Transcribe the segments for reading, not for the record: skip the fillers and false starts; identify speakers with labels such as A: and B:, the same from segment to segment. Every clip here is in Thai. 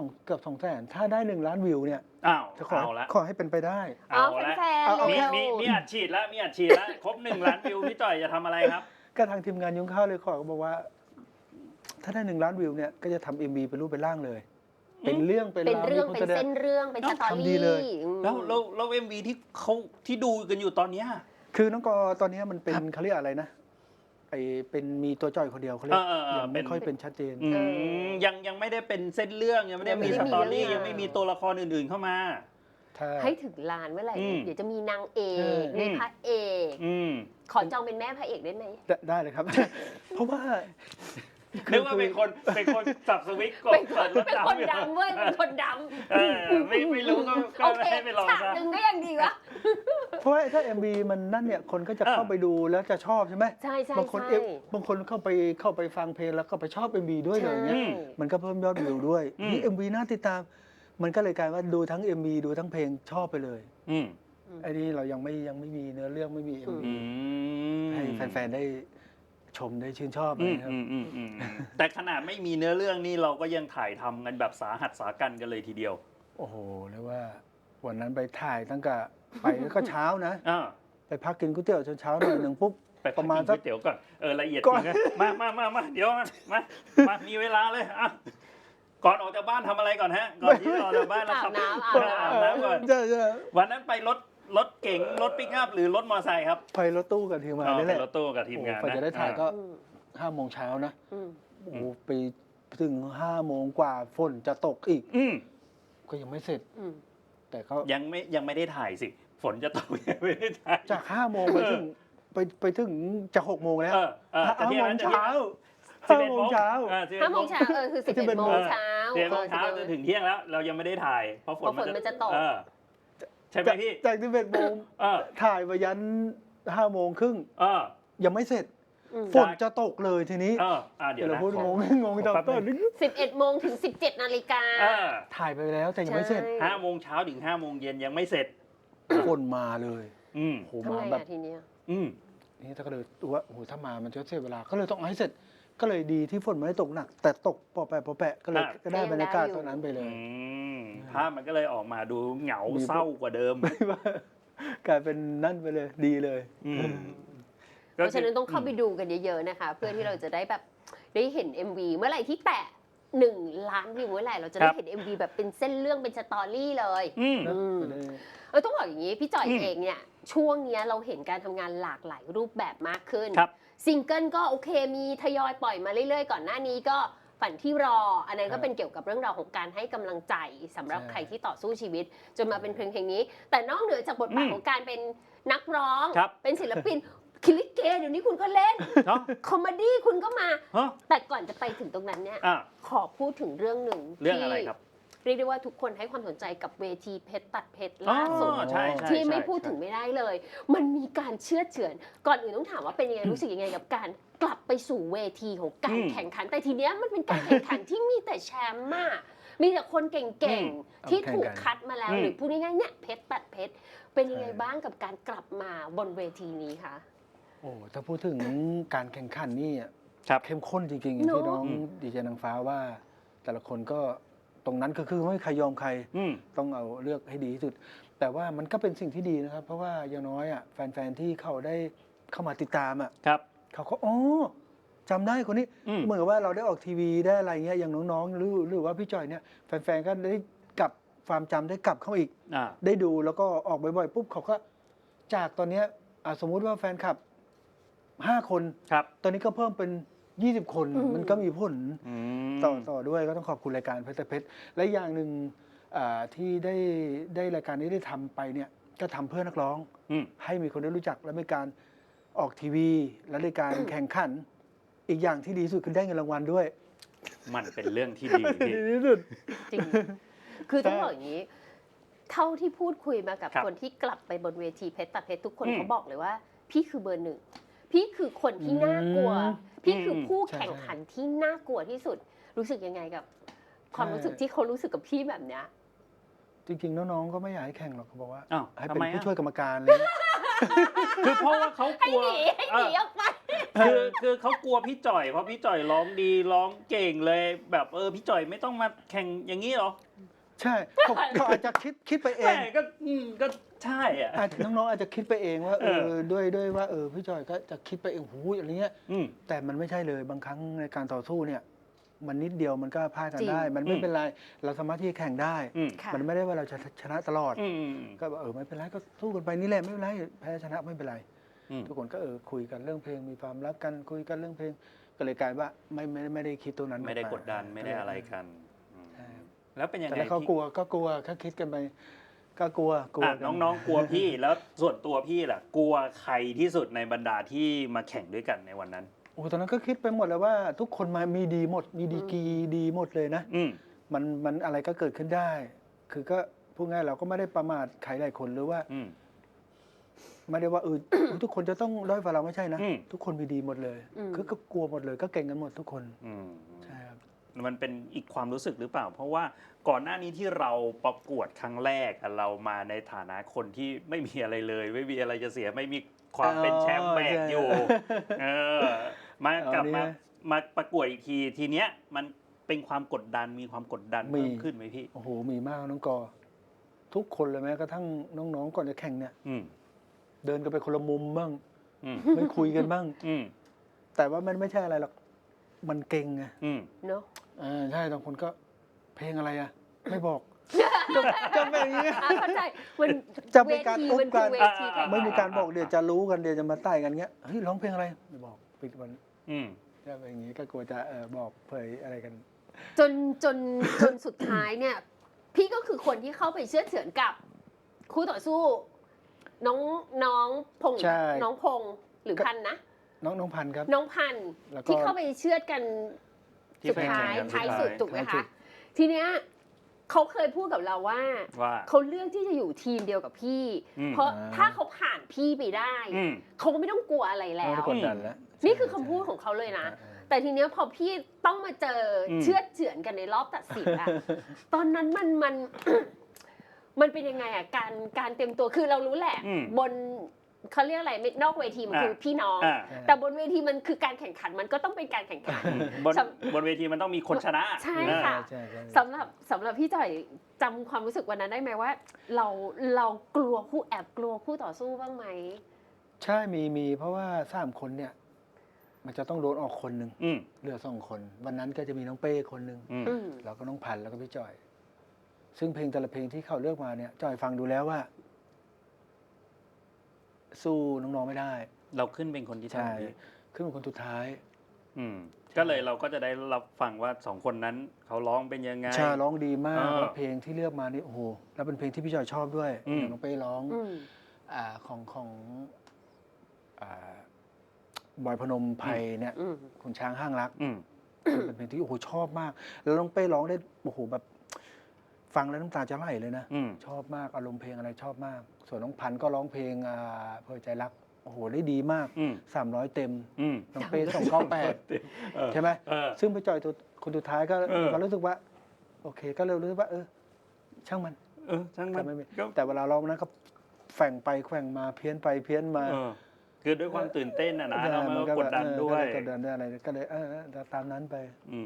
A: เกือบ200,000ถ้าได้1 ล้านวิวเนี่ย
B: อ้าว
A: จะข
B: เอาละ
A: ขอให้เป็นไปได้
B: เอาละ
C: แฟนๆ
A: เอา
C: เร็
A: แค่
C: ว
B: มีอัดฉีดแล้วมีอัดฉีดแล้วครบ1 ล้านวิวพี่จ่อยจะทำอะไรครับ
A: ก็ทางทีมงานยุ้งข้าวเลยขอก็บอกว่า ถ้าได้1 ล้านวิวเนี่ยก็จะทำ MV เป็นรูปเป็นร่างเลย เป็นเรื่องเป็น
C: เป็น
A: ราว
C: เรื่อง
A: มีค
C: เป็น
A: แสด
C: เส้
A: ง
C: นเรื่องเป็นสตอ
A: ทำดี
C: รี่
A: เลย
B: แล้ว MV ที่ดูกันอยู่ตอนเนี้ย
A: คือน้องกอตอนนี้มันเป็นเขาเรียกอะไรนะเป็นมีตัวจ่อยคนเดียวเขาเรียกยังไม่ค่อยเป็นชัดเจน
B: ยังไม่ได้เป็นเส้นเรื่องยังไม่ได้มีสตอรี่ยังไม่มีตัวละครอื่นๆเข้ามา
C: ให้ถึงล้านเมื่อไหร่เดี๋ยวจะมีนางเอกมีพระเอกขอจองเป็นแม่พระเอกได้ไหม
A: ได้เลยครับ เพราะว่า
B: นึกว่าเป็นคนสับสวิตช์กด
C: เป็นคนดำเว้ยเป็นคนดำ
B: ไม่รู้ก็
C: โอเค
B: ให้ไปลอง
C: ฉาก
B: ซะ
C: หนึ่งก็ยังดีวะ
A: เพราะว่าถ้า MV มันนั่นเนี่ยคนก็จะเข้าไปดูแล้วจะชอบใช่ไหม
C: ใช่ใช่
A: บางคน
C: ใช่
A: บางคนเข้าไปฟังเพลงแล้วก็ไปชอบ MV ด้วยเลยอย่างเงี้ยมันก็เพิ่มยอดวิวด้วยนี่ MV น่าติดตามมันก็เลยกลายว่าดูทั้ง MV ดูทั้งเพลงชอบไปเลยไอ้นี่เรายังไม่มีเนื้อเรื่องไม่มี MV ให้แฟนๆได้ชมได้ชื่นชอบนะครับ
B: แต่ขนาดไม่มีเนื้อเรื่องนี่เราก็ยังถ่ายทำกันแบบสาหัสสากันกันเลยทีเดียว
A: โอ้โหเรียกว่าวันนั้นไปถ่ายตั้งแต่ไปก็เช้านะไปพักกินก๋วยเตี๋ยวเช้าหน่อยหนึ่งปุ๊บ
B: ไปประมาณสักก๋วยเตี๋ยวก่อนละเอียดจริงนะมาเดี๋ยวมามีเวลาเลยอ่ะก่อนออกจากบ้านทำอะไรก่อนฮะก่อนที่จะออกจากบ้านเราขับอาบน้ำก่อน
A: ใช่
B: วันนั้นไปรถเก๋งรถปิกอัพหรือรถมอเตอร์ไซค์ครับ
A: ไปรถตู้กับทีมงานนี่แหละ
B: รถตู้กับทีมงาน
A: พอจะได้ถ่ายก็5 โมงเช้านะโอ้โหไปถึง5 โมงกว่าฝนจะตกอีกก็ยังไม่เสร็จแต่เขา
B: ยังไม่ได้ถ่ายสิฝนจะตกยังไม่ได้ถ่าย
A: จาก5 โมงไปถึงจะ6 โมงแล้ว5 โมงเช้า5 โมงเช้า
C: 5 โมงเช้าคือ11 โมงเช้า
B: 11 โมงเช้าจนถึงเที่ยงแล้วเรายังไม่ได้ถ่ายเพราะฝน
C: มันจะตก
B: ใช่ไหมพี่
A: จาก11 โมงถ่ายไปยัน5 โมงครึ่งยังไม่เสร็จฝนจะตกเลยทีนี้
B: เดี๋ยว
A: เราพูดงงตอนต้น
C: 11 โมงถึง 17 นาฬิกา
A: ถ่ายไปแล้วแต่ยังไม่เสร็จ
B: 5 โมงเช้าถึง5 โมงเย็นยังไม่เสร็จ
A: ฝนมาเลย
C: โหมาแบบทีนี้
A: นี่ถ้าก็เลยว่าโอ้โหถ้ามามันจะเสียเวลาก็เลยต้องให้เสร็จก็เลยดีที่ฝนไม่ได้ตกหนักแต่ตกปอแปะก็เลยก็ได้บรรยากาศตอนนั้นไปเลย
B: ภาพมันก็เลยออกมาดูเหงาเศร้ากว่าเดิม
A: กลายเป็นนั่นไปเลยดีเลย
C: เพราะฉะนั้นต้องเข้าไปดูกันเยอะๆนะคะเพื่อที่เราจะได้แบบได้เห็น MV เมื่อไหร่ที่แตะ1 ล้านวิวเมื่อไหร่เราจะได้เห็น MV แบบเป็นเส้นเรื่องเป็นสตอรี่เลยต้องบอกอย่างนี้พี่จอยเองเนี่ยช่วงนี้เราเห็นการทำงานหลากหลายรูปแบบมากขึ้นซิงเกิลก็โอเคมีทยอยปล่อยมาเรื่อยๆก่อนหน้านี้ก็ฝันที่รออันนั้นก็เป็นเกี่ยวกับเรื่องราวของการให้กำลังใจสำหรับใครที่ต่อสู้ชีวิตจนมาเป็นเพลงนี้แต่นอกเหนือจากบทบาทของการเป็นนักร้องเป็นศิลปินคิลิเกเดี๋ยวนี้คุณก็เล่นคอมเมดี้คุณก็มาแต่ก่อนจะไปถึงตรงนั้นเนี่ยขอพูดถึงเรื่องหนึ่ง
B: เรื่องอะไรครับ
C: เรียกได้ว่าทุกคนให้ความสนใจกับเวทีเพชรตัดเพชรล่าสุดที่ไม่พูดถึงไม่ได้เลยมันมีการเชื่อเฉือนก่อนอื่นต้องถามว่าเป็นยังไงรู้สึกยังไงกับการกลับไปสู่เวทีของการแข่งขันแต่ทีเนี้ยมันเป็นการแข่งขันที่มีแต่แชมป์มากมีแต่คนเก่งๆที่ถูกคัดมาแล้วหรือพูดง่ายๆเนี่ยเพชรตัดเพชรเป็นยังไงบ้างกับการกลับมาบนเวทีนี้คะ
A: โอ้ถ้าพูดถึงการแข่งขันนี่เข้มข้นจริงๆอย่างที่น้องดีเจนางฟ้าว่าแต่ละคนก็ตรงนั้นก็คือไม่ใครยอมใครต้องเอาเลือกให้ดีที่สุดแต่ว่ามันก็เป็นสิ่งที่ดีนะครับเพราะว่าอย่างน้อยแฟนๆที่เขาได้เข้ามาติดตามเขาก็จำได้คนนี้เหมือนกับว่าเราได้ออกทีวีได้อะไรเงี้ยอย่างน้องๆหรือว่าพี่จอยเนี่ยแฟนๆก็ได้กลับความจำได้กลับเข้าอีกได้ดูแล้วก็ออกบ่อยๆปุ๊บเขาก็จากตอนนี้สมมุติว่าแฟนคลับ5 คนตอนนี้ก็เพิ่มเป็น20 คนมันก็มีผลต่อด้วยก็ต้องขอบคุณรายการเพชรเพชรและอย่างหนึ่งที่ได้รายการนี้ได้ทำไปเนี่ยก็ทำเพื่อนักร้องให้มีคนได้รู้จักและมีการออกทีวีและรายการแข่งขันอีกอย่างที่ดีสุดคือได้เงินรางวัลด้วย
B: มันเป็นเรื่องที่ดี
A: ที่สุด
C: จริงคือต้องบอกอย่างนี้เท่าที่พูดคุยมากับคนที่กลับไปบนเวทีเพชรตัดเพชรทุกคนเขาบอกเลยว่าพี่คือเบอร์ 1พี่คือคนที่น่ากลัวพี่คือผู้แข่งขันที่น่ากลัวที่สุดรู้สึกยังไงกับความรู้สึกที่เขารู้สึกกับพี่แบบเนี้ย
A: จริงๆน้องๆก็ไม่อยากให้แข่งหรอกเขาบอกว่าให้เป็น
B: ทำไม
A: ผู้ช่วยกรรมการเลย
B: คือเพราะว่าเขากลัว
C: ให้หนีออกไป
B: คือเขากลัวพี่จ่อยเพราะพี่จ่อยร้องดีร้องเก่งเลยแบบพี่จ่อยไม่ต้องมาแข่งอย่างนี้หรอ
A: ใช่เขาอาจจะคิดไปเอง
B: ก็ใช่อ่ะ
A: น้องๆอาจจะคิดไปเองว่าด้วยว่าพี่จอยก็จะคิดไปเองหูอะไรเงี้ยแต่มันไม่ใช่เลยบางครั้งในการต่อสู้เนี่ยมันนิดเดียวมันก็พลาดกันได้มันไม่เป็นไรเราสามารถที่จะแข่งได้มันไม่ได้ว่าเราจะชนะตลอดก็ไม่เป็นไรก็สู้กันไปนี่แหละไม่เป็นไรแพ้ชนะไม่เป็นไรทุกคนก็คุยกันเรื่องเพลงมีความรักกันคุยกันเรื่องเพลงก็เลยกลายว่าไม่ได้คิดตัวนั้น
B: ไม่ได้กดดันไม่ได้อะไรกันแล้วเป็นยังไง
A: แต่เขากลัวแค่คิดกันไปก็กลัว
B: น้องๆกลัวพี่แล้วส่วนตัวพี่ล่ะกลัวใครที่สุดในบรรดาที่มาแข่งด้วยกันในวันนั้น
A: ตอนนั้นก็คิดไปหมดแล้วว่าทุกคนมามีดีหมดมีดีกรีดีหมดเลยนะมันอะไรก็เกิดขึ้นได้ คือก็พูดง่ายเราก็ไม่ได้ประมาทใครหลายคนหรือว่าไม่ได้ว่าทุกคนจะต้องด้อยกว่าเราไม่ใช่นะทุกคนมีดีหมดเลยคือก็กลัวหมดเลยก็เก่งกันหมดทุกคนใช่ครับ
B: มันเป็นอีกความรู้สึกหรือเปล่าเพราะว่าก่อนหน้านี้ที่เราประกวดครั้งแรกเรามาในฐานะคนที่ไม่มีอะไรเลยไม่มีอะไรจะเสียไม่มีความเป็นแชมป์แบกอยู่มากลับมาประกวดอีกทีเนี้ยมันเป็นความกดดันมีความกดดันเพิ่มขึ้นไหมพี่
A: โอ้โหมีมากน้องกอทุกคนเลยแม้กระทั่งน้องๆก่อนจะแข่งเนี่ยเดินกันไปคนละมุมบ้างไม่คุยกันบ้างแต่ว่ามันไม่ใช่อะไรหรอกมันเก่งไง
C: เนาะ
A: ใช่บางคนก็เพลงอะไรอ่ะไม่บอกจะเป็นอย่างนี้
C: เข้าใจมัน
A: จะมีการอุ๊บกันไม่มีการบอกเดี๋ยวจะรู้กันเดี๋ยวจะมาไต่กันเงี้ยเฮ้ยร้องเพลงอะไรไม่บอกปิดวันจะเป็นอย่างนี้ก็กลัวจะบอกเผยอะไรกัน
C: จนสุดท้ายเนี่ยพี่ก็คือคนที่เข้าไปเชื่อเฉือนกับคู่ต่อสู้น้องพงน้องพงหรือพันนะ
A: น้องพันครับ
C: น้องพันที่เข้าไปเชื่อกันสุดท้ายสุดถูกไหมคะทีเนี้ยเขาเคยพูดกับเราว่าเขาเลือกที่จะอยู่ทีมเดียวกับพี่เพราะถ้าเขาผ่านพี่ไปได้เขาก็ไม่ต้องกลัวอะไรแล้วนี่คือคำพูดของเขาเลยนะแต่ทีเนี้ยพอพี่ต้องมาเจอเชื่อเฉือนกันในรอบตัดสินอะตอนนั้นมันเป็นยังไงอะการเตรียมตัวคือเรารู้แหละบนเขาเรียกอะไรนอกเวทีมันคือพี่น้องแต่บนเวทีมันคือการแข่งขันมันก็ต้องเป็นการแข่งขัน
B: บนเวทีมันต้องมีคนชนะ
C: ใช่ค่ะสำหรับพี่จ่อยจำความรู้สึกวันนั้นได้ไหมว่าเรากลัวแอบกลัวคู่ต่อสู้บ้างไหม
A: ใช่มีเพราะว่า3 คนเนี่ยมันจะต้องโดนออกคนหนึ่งเหลือ2 คนวันนั้นก็จะมีน้องเป้คนหนึ่งแล้วก็น้องพันแล้วก็พี่จ่อยซึ่งเพลงแต่ละเพลงที่เขาเลือกมาเนี่ยจ่อยฟังดูแล้วว่าสู้น้องๆไม่ได้
B: เราขึ้นเป็นคนที่ใช่
A: ขึ้นเป็นคนสุดท้าย
B: ก็เลยเราก็จะได้รับฟังว่า2 คนนั้นเขาร้องเป็นยังไง
A: ใช่ร้องดีมากเพลงที่เลือกมานี่โอ้โหแล้วเป็นเพลงที่พี่จอยชอบด้วยน้องเป้ร้องของบอยพนมไพรเนี่ยคุณช้างห้างรักเป็นเพลงที่โอ้โหชอบมากแล้วน้องเป้ร้องได้โอ้โหแบบฟังแล้วน้ำตาจะไหลเลยนะชอบมากอารมณ์เพลงอะไรชอบมากส่วนน้องพันธุ์ก็ร้องเพลงเพอใจรักโอ้โหได้ดีมาก300 เต็มน้องเป้298ใช่ไหมซึ่งไปจอยตัวคนสุดท้ายก็รู้สึกว่าโอเคก็เลยรู้สึกว่าช่างมัน
B: ช่างมัน
A: แต่เวลาร้องนั้นก็แฝงไปแฝงมาเพี้ยนไปเพี้ยนมา
B: คือด้วยความตื่นเต้นนะเรามันก็กดดันด้วย
A: กดดันด้วยอะไรก็เลยตามนั้นไป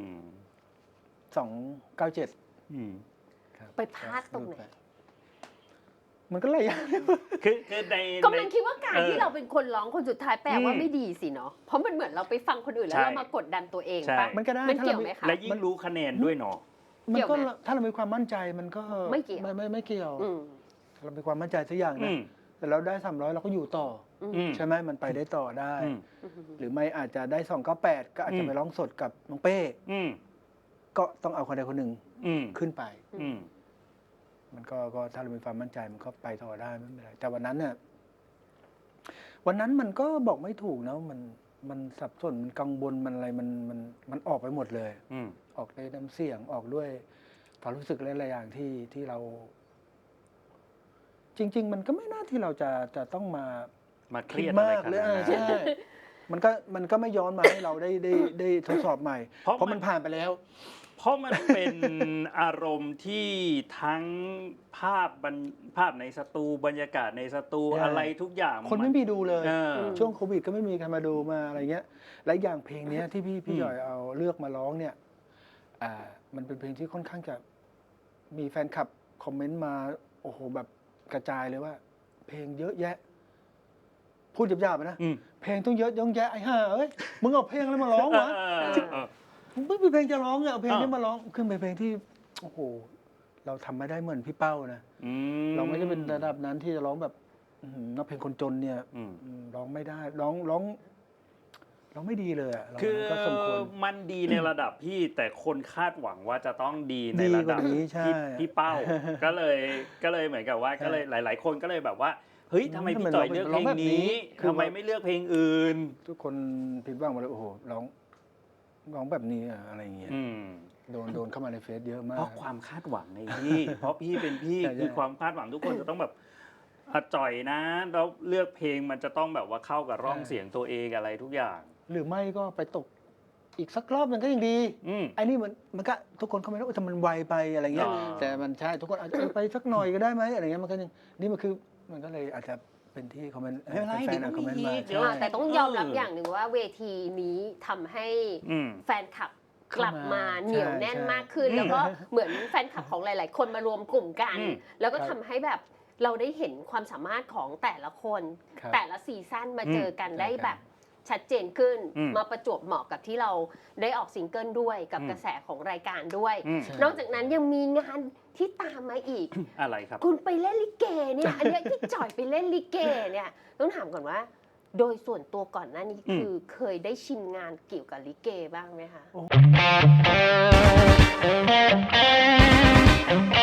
A: 297
C: ไปพลาดตรงไหน
A: มันก็หลายอย่าง
B: คือใน
C: กำลังคิดว่าการที่เราเป็นคนร้องคนสุดท้ายแปลว่าไม่ดีสิเนาะเพราะมันเหมือนเราไปฟังคนอื่นแล้วเรามากดดันตัวเองป่ะ
A: มันก็ได้
C: มันเกี่ยวไหมคะ
B: และยิ่งรู้คะแนนด้วยเนาะ
A: มันก็ถ้าเรามีความมั่นใจมันก็ไม่เกี่ยวเรามีความมั่นใจสักอย่างนะแต่เราได้300เราก็อยู่ต่อใช่ไหมมันไปได้ต่อได้หรือไม่อาจจะได้298ก็อาจจะไปร้องสดกับน้องเป้ก็ต้องเอาคนใดคนหนึ่งขึ้นไปมันก็ถ้าเรามีความมั่นใจมันก็ไปต่อได้ไม่เป็นไรแต่วันนั้นเนี่ยวันนั้นมันก็บอกไม่ถูกนะมันสับสนมันกังวลมันอะไรมันออกไปหมดเลยออกด้วยน้ำเสียงออกด้วยความรู้สึกหลายๆอย่างที่เราจริงๆมันก็ไม่น่าที่เราจะต้องมา
B: เครียดมาก
A: เลยใช่มันก็ไม่ย้อนมาให้เราได้ทดสอบใหม่เพราะมันผ่านไปแล้ว
B: เพราะมันเป็นอารมณ์ที่ทั้งภาพในสตูบรรยากาศในสตูอะไรทุกอย่าง
A: คนไม่มีดูเลย
B: เออ
A: ช่วงโควิดก็ไม่มีใครมาดูมาอะไรเงี้ยและอย่างเพลงเนี้ยที่พี่หย่อยเอาเลือกมาร้องเนี่ยมันเป็นเพลงที่ค่อนข้างจะมีแฟนคลับคอมเมนต์มาโอ้โหแบบกระจายเลยว่า เพลงเยอะแยะ พูดหยาบๆนะเพลงต้องเยอะแยะไอ้ห่าเอ้ยมึงเอาเพลงอะไรมาร้องวะไม่มีเพลงจะร้องเอาเพลงนี้มาร้องขึ้นเป็นเพลงที่โอ้โหเราทำไม่ได้เหมือนพี่เป้านะเราไม่ได้เป็นระดับนั้นที่จะร้องแบบนักเพลงคนจนเนี่ยร้องไม่ได้ร้องไม่ดีเลยอ่ะ
B: คือมันดีในระดับพี่แต่คนคาดหวังว่าจะต้องดีในระดับพี่เป้าก็เลยเหมือนกับว่าก็เลยหลายๆคนก็เลยแบบว่าเฮ้ยทำไมพี่จ่อยเลือกเพลงนี้ทำไมไม่เลือกเพลงอื่น
A: ทุกคนผิดหวังหมดเลยโอ้โหร้องแบบนี้อะไรอย่างเงี้ยโดนเข้ามาในเฟซเยอะมาก
B: เพราะความคาดหวังในพี่เพราะพี่เป็นพี่คือความคาดหวังทุกคนจะต้องแบบจ่อยนะแล้วเลือกเพลงมันจะต้องแบบว่าเข้ากับร่องเสียงตัวเองอะไรทุกอย่าง
A: หรือไม่ก็ไปตกอีกสักรอบนึงก็ยังดีไอ้นี่มันก็ทุกคนเขาไม่รู้ว่ามันไวไปอะไรเงี้ยแต่มันใช่ทุกคนอาจจะไปสักหน่อยก็ได้ไหมอะไรเงี้ยมันก็ยังนี่มันก็เลยอาจจะเป็นที่คอมเมนต์แฟนคอมเมนต์มา
C: แต่ต้องยอมรับอย่างหนึ่งว่าเวทีนี้ทำให้แฟนคลับกลับมาเหนียวแน่นมากขึ้นแล้วก็เหมือนแฟนคลับของหลายๆคนมารวมกลุ่มกันแล้วก็ทำให้แบบเราได้เห็นความสามารถของแต่ละคนแต่ละซีซั่นมาเจอกันได้แบบชัดเจนขึ้นมาประจวบเหมาะกับที่เราได้ออกซิงเกิลด้วยกับกระแสของรายการด้วยนอกจากนั้นยังมีงานที่ตามมาอีก
B: อะไรครับ
C: คุณไปเล่นลิเกเนี่ยอันนี้ที่จ่อยไปเล่นลิเกเนี่ยต้องถามก่อนว่าโดยส่วนตัวก่อนหน้านี้คือเคยได้ชิมงานเกี่ยวกับลิเกบ้างไหมคะ